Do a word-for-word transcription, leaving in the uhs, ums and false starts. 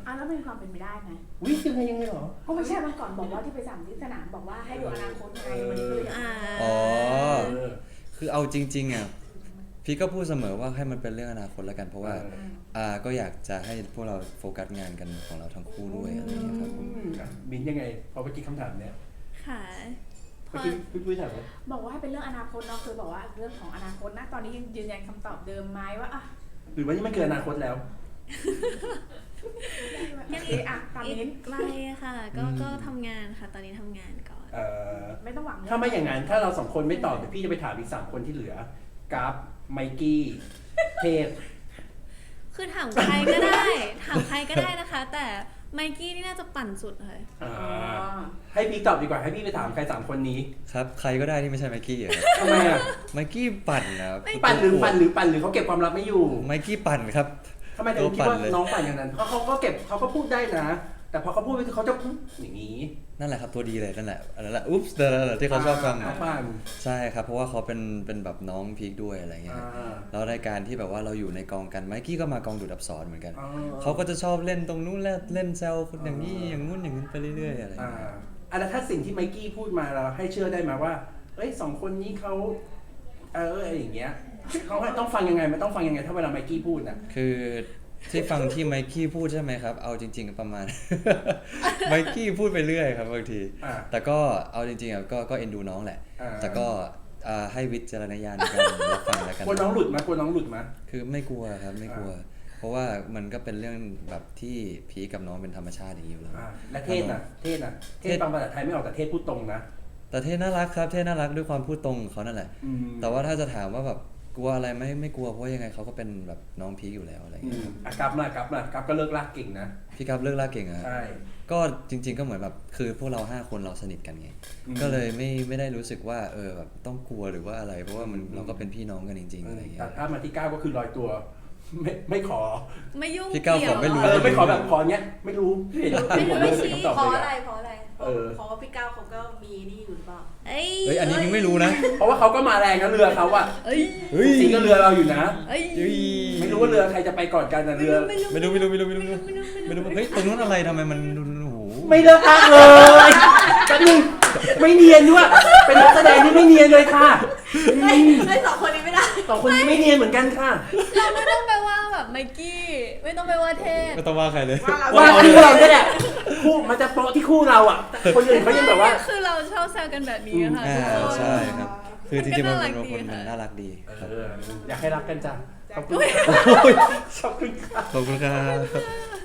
อ่ะแล้วเป็นความเป็นไปได้ไหมวิยังไงยังไงหรอก็ไม่ใช่เมื่อก่อนบอกว่าที่ไปสั่งที่สนามบอกว่าให้ดูอนาคตไงวันนี้ก็เลยอ๋อคือเอาจริงๆอ่ะพี่ก็พูดเสมอว่าให้มันเป็นเรื่องอนาคตแล้วกันเพราะว่าอ่าก็อยากจะให้พวกเราโฟกัสงานกันของเราทั้งคู่ด้วยอะไรอย่างเงี้ยครับผมบินยังไงพอเมื่อกี้คำถามเนี้ยค่ะเมื่อกี้พี่ปุ้ยถามว่าบอกว่าให้เป็นเรื่องอนาคตเนาะคือบอกว่าเรื่องของอนาคตนะตอนนี้ยังยืนยันคำตอบเดิมไหมว่าอ่ะหรือว่านี่มันเกินอนาคตแล้วยังอีกอ่ะตามนี้ไกลค่ะก็ก็ทำงานค่ะตอนนี้ทำงานก่อนไม่ต้องหวังถ้าไม่อย่างนั้นถ้าเราสองคนไม่ตอบเดี๋ยวพี่จะไปถามอีกสามคนที่เหลือกัฟไมกี้เทพคือถามใครก็ได้ถามใครก็ได้นะคะแต่ไมกี้นี่น่าจะปั่นสุดเลยให้พี่ตอบดีกว่าให้พี่ไปถามใครสามคนนี้ครับใครก็ได้ที่ไม่ใช่ไมกี้อ่ะทำไมอ่ะไมกี้ปั่นนะปั่นหรือปั่นหรือปั่นหรือเขาเก็บความลับไม่อยู่ไมกี้ปั่นครับทำไมถึงคิดว่าน้องปั่นอย่างนั้นเพราะเขาก็เก็บเขาก็พูดได้นะแต่พอเขาพูดไปเขาจะอย่างนี้นั่นแหละครับตัวดีเลยนั่นแหละนั่นแหละอุ๊บส์นั่นแหละที่เขาชอบฟังใช่ครับเพราะว่าเขาเป็นเป็นแบบน้องพีคด้วยอะไรเงี้ยแล้วในการที่แบบว่าเราอยู่ในกองกันไมกี้ก็มากองดูดอับสรเหมือนกันเขาก็จะชอบเล่นตรงนู้นเล่นแซวคนอย่างนี้อย่างงู้นอย่างนี้ไปเรื่อยๆอะไรอย่างเงี้ยอ่ะถ้าสิ่งที่ไมกี้พูดมาเราให้เชื่อได้ไหมว่าเอ้ยสองคนนี้เขาเอออะไรอย่างเงี้ยเขาต้องฟังยังไงมันต้องฟังยังไงถ้าเวลาไมกี้พูดนะคือที่ฟังที่ไมกี้พูดใช่ไหมครับเอาจริงๆประมาณ ไมกี้พูดไปเรื่อยครับบางทีแต่ก็เอาจริงๆอ่ะก็ก็เอ็นดูน้องแหละแต่ก็ให้วิจารณญาณในการรับฟังแล้วกันกลัวน้องหลุดมั้ยกลัวน้องหลุดมั้ยคือไม่กลัวครับไม่กลัวเพราะว่ามันก็เป็นเรื่องแบบที่พีกับน้องเป็นธรรมชาติอย่างนี้อยู่แล้วและเทศน่ะเทศน่ะเทศฟังภาษาไทยไม่ออกแต่เทศพูดตรงนะแต่เทศน่ารักครับเทศน่ารักด้วยความพูดตรงของเขานั่นแหละแต่ว่าถ้าจะถามว่าแบบกลัวอะไรไม่ไม่กลัวเพราะยังไงเขาก็เป็นแบบน้องพีคอยู่แล้วอะไรอย่างเงี้ยอ่ะกับล่ะกับล่ะกับก็เลิกลากเก่งนะพี่กับเลิกลากเก่งอ่ะใช่ก็จริงๆก็เหมือนแบบคือพวกเราห้าคนเราสนิทกันไงก็เลยไม่ไม่ได้รู้สึกว่าเออแบบต้องกลัวหรือว่าอะไรเพราะว่ามันเราก็เป็นพี่น้องกันจริงๆอะไรอย่างเงี้ยแต่ถ้ามาที่เก้าก็คือลอยตัวไม่ไม่ขอไม่ยุ่งพี่เก้าขอไม่รู้เออไม่ขอแบบขอเนี้ยไม่รู้ไม่รู้ไม่ชี้เพราะอะไรเพราะอะไรเพราะว่าพี่เก้าเขาก็มีนี่อยู่หรือเปล่าเอ้ยอันนี้ยังไม่รู้นะเพราะว่าเขาก็มาแรงนะเรือเขาอะจริงก็เรือเราอยู่นะไม่รู้ว่าเรือใครจะไปก่อนกันนะเรือไม่รู้ไม่รู้ไม่รู้ไม่รู้ไม่รู้ไม่รู้เฮ้ยตรงนั้นอะไรทำไมมันโอ้โหไม่เลิกลากเลยกันนึงไม่เนียนด้วยเป็นนักแสดงที่ไม่เนียนเลยค่ะไอ้สองคนนี้ไม่ได้สองคนนี้ไม่เนียนเหมือนกันค่ะเราไม่ต้องไปว่าแบบไมกี้ไม่ต้องไปว่าเทพไม่ต้องว่าใครเลยว่าคู่เราเนี่ยแหละคู่มันจะโปะที่คู่เราอ่ะคนอื่นเขายังแบบว่าคือเราชอบแซวกันแบบนี้ค่ะใช่ครับคือจริงๆมันเป็นคนมันน่ารักดีอยากให้รักกันจ้ะขอบคุณขอบคุณครับ